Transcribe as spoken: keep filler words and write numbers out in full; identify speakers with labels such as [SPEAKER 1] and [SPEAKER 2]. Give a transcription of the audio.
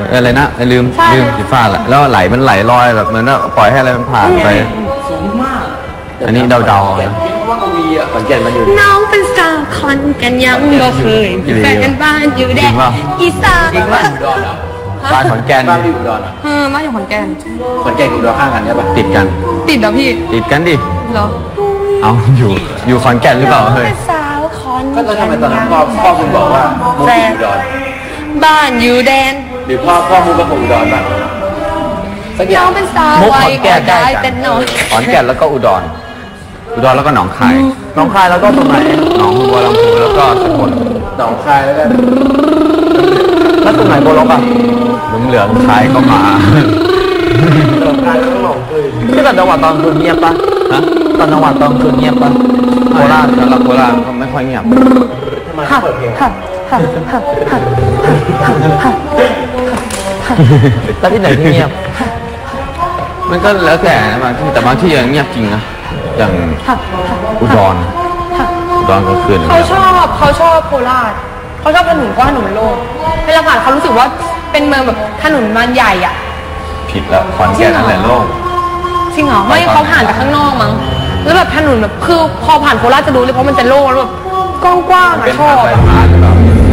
[SPEAKER 1] อะไรนะลืมลืมสีฟ้าแหละแล้วไหลมันไหลลอยแบบเหมือนว่าปล่อยให้อะไรมันผ่านไป
[SPEAKER 2] สูงมาก
[SPEAKER 1] อันนี้เดาๆนะ
[SPEAKER 2] เพราะว่ากวีอ่ะขอนแก่นมันอยู่
[SPEAKER 3] น้องเป็นสาวคอนกันยังบ่เคยแฟนกันบ้านอยู่แดนอีสาน
[SPEAKER 2] จริงว่าอยู่ดอนเหรอ
[SPEAKER 1] บ้านขอนแก่น
[SPEAKER 2] บ้านอยู่ดอนเหรอ
[SPEAKER 3] เออบ้านอยู่ขอนแก่น
[SPEAKER 2] ขอนแก่นอยู่ดอนข้างกันใช่ปะ
[SPEAKER 1] ติดกัน
[SPEAKER 3] ติดเหรอพี่
[SPEAKER 1] ติดกันดิ
[SPEAKER 3] เหรอ
[SPEAKER 1] เอาอยู่อยู่ขอนแก่นหรือเปล่าเฮ้ย
[SPEAKER 3] สาวคอน
[SPEAKER 2] ก็ตอนนั้นตอนนั้นพ่อพ่อคุณบอกว่ามุกอยู่ดอน
[SPEAKER 3] บ้านอยู่แดน
[SPEAKER 2] หรือพ่อพ่อมุกกับผมดอนป่ะ
[SPEAKER 3] น้องเป็นสาวไว้ก็ได้เป็นน้อง
[SPEAKER 1] ขอนแก่นแล้วก็อุดรอุดรแล้วก็หนองคาย
[SPEAKER 2] หนองคายแล้วก็ตรงไหน
[SPEAKER 1] หนองบัวลำพูแล้วก็สกล
[SPEAKER 2] หนองคายแล้วก็แล้วตรงไหนโบล็อกอ่ะ
[SPEAKER 1] เหลืองเหลืองคายก็มา
[SPEAKER 2] หนองคายแล้วก็หนองคืนที่ต่างจังหวัดตอนคืนเงียบปะ
[SPEAKER 1] ฮะ
[SPEAKER 2] ต่างจังหวัดตอนคืนเงียบปะ
[SPEAKER 1] โคราชสำหรับโคราชก็ไม่ค่อยเงียบ
[SPEAKER 2] ทำไมเปิดเพลงแล้วที่ไหนที่เงียบ
[SPEAKER 1] มันก็แล้วแต่นะบางที่แต่บางที่ยังเงียบจริงนะอย่างอุดรอุดรก็คืน
[SPEAKER 3] เขาชอบเขาชอบโคราชเขาชอบถนนกว้างถนนโล่งเวลาผ่านเขารู้สึกว่าเป็นเมืองแบบถนนมันใหญ่อ่ะ
[SPEAKER 1] ผิดแล้วขอนแก่นนั่นแหละโล่ง
[SPEAKER 3] จริงเหรอไม่เขาผ่านจากข้างนอกมั้งแล้วแบบถนนแบบคือพอผ่านโคราชจะรู้เลยเพราะมันจะโล่งแล้วแบบกว้างๆอ่ะชอบ